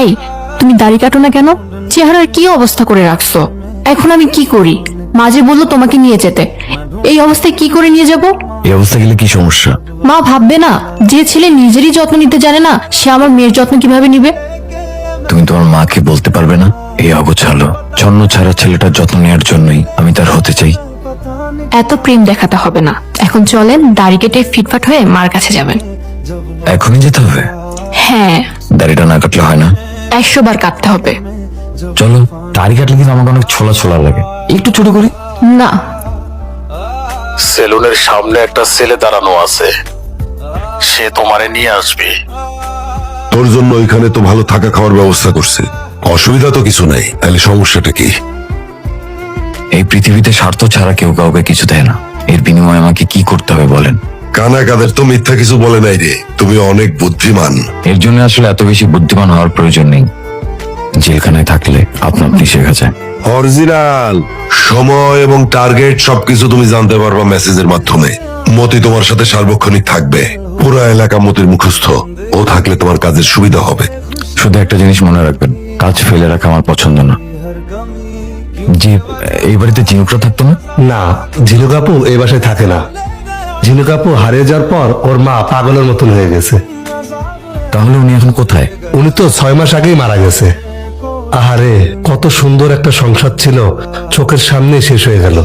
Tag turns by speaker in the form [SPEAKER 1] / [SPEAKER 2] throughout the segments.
[SPEAKER 1] ভাই, তুমি দাড়ি কাটো না কেন? চেহারার কি অবস্থা করে রাখছো? এখন আমি কি করি? মাঝে বললো তোমাকে নিয়ে যেতে, এই অবস্থায় কি করে নিয়ে যাব?
[SPEAKER 2] এই অবস্থা গেলে কি সমস্যা?
[SPEAKER 1] মা ভাববে না, যে ছেলে নিজেরই যত্ন নিতে জানে না, সে আমার মেয়ের যত্ন কিভাবে নিবে?
[SPEAKER 2] তুমি তোমার মাকে বলতে পারবে না এই অগোছালো ছন্ন ছাড়া ছেলেটার যত্ন নেওয়ার জন্যই আমি তার হতে চাই?
[SPEAKER 1] এত প্রেম দেখাতে হবে না, এখন চলেন দাড়ি কেটে ফিটফাট হয়ে মার কাছে যাবেন।
[SPEAKER 2] এখনই যেতে হবে?
[SPEAKER 1] হ্যাঁ,
[SPEAKER 2] দাড়িটা না কাটলে হয় না?
[SPEAKER 1] 100 বার কাটতে হবে।
[SPEAKER 2] চলো, দাড়ি কাটলে কিন্তু আমাকে অনেক ছোলা ছোলা লাগে, একটু ছোট করি।
[SPEAKER 1] না,
[SPEAKER 3] সেলুনের সামনে একটা ছেলে দাঁড়ানো আছে, সে তোমারে নিয়ে আসবে।
[SPEAKER 4] তোর জন্য ওইখানে তো ভালো থাকা খাওয়ার ব্যবস্থা করছে, অসুবিধা তো কিছু নাই। তাহলে সমস্যাটা কি?
[SPEAKER 2] এই পৃথিবীতে স্বার্থ ছাড়া কেউ কাউকে কিছু দেয় না। এর বিনিময়ে আমাকে কি করতে হবে বলেন?
[SPEAKER 4] কানা কাদের তো মিথ্যা কিছু বলে নাই রে, তুমি অনেক বুদ্ধিমান।
[SPEAKER 2] এর জন্য আসলে এত বেশি বুদ্ধিমান হওয়ার প্রয়োজন নেই, জেলখানায় থাকলে আপনা আপনি শেখা যায়।
[SPEAKER 4] অরিজিনাল সময় এবং টার্গেট সবকিছু তুমি জানতে পারবা মেসেজের মাধ্যমে। মতি তোমার সাথে সার্বক্ষণিক থাকবে, পুরো এলাকা মতির মুখস্থ। ও থাকলে তোমার কাজের সুবিধা হবে।
[SPEAKER 2] শুধু একটা জিনিস মনে রাখবেন, কাজ ফেলে রাখা আমার পছন্দ না। জি, এই বাড়িতে জিনুকরা থাকতো না?
[SPEAKER 5] না, ঝিনুক আপু এই বাসায় থাকে না। ঝিনুক আপু হারিয়ে যাওয়ার পর ওর মা পাগলের মতন হয়ে গেছে।
[SPEAKER 2] তাহলে উনি এখন কোথায়?
[SPEAKER 5] উনি তো 6 মাস আগেই মারা গেছে। আহারে, কত সুন্দর একটা সংসার ছিল, চোখের সামনে শেষ হয়ে গেল।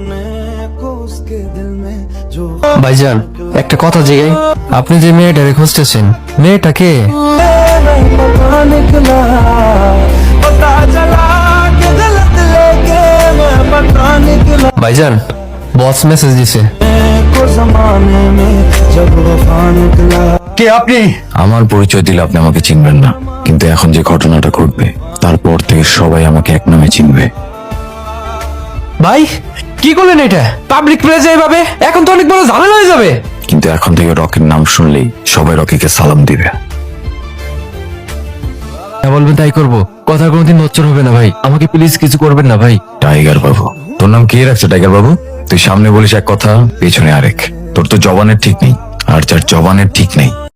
[SPEAKER 6] ভাইজান, একটা কথা জিগাই, আপনি যে মেয়েটারে খুঁজতেছেন, মেয়েটাকে? ভাইজান, বস মেসেজ দিছে।
[SPEAKER 5] কে আপনি?
[SPEAKER 2] আমার পরিচয় দিলে আপনি আমাকে চিনবেন না, কিন্তু এখন যে ঘটনাটা ঘটবে তারপর থেকে সবাই আমাকে এক নামে চিনবে।
[SPEAKER 6] ভাই, কি করলেন এটা? পাবলিক প্লেসে এইভাবে? এখন তো অনেক বড় ঝামেলা হয়ে যাবে।
[SPEAKER 2] কিন্তু এখন থেকে রকির নাম শুনলেই সবাই রকিকে সালাম দিবে।
[SPEAKER 6] বলবেন তাই করবো, কথা কোনোদিন নচ্চর হবে না ভাই, আমাকে প্লিজ কিছু করবেন না ভাই।
[SPEAKER 2] টাইগার বাবু? তোর নাম কে রাখছে টাইগার বাবু? তুই সামনে বলিস এক কথা, পেছনে আরেক। তোর তো জবানের ঠিক নেই, আর যার জবানের ঠিক নেই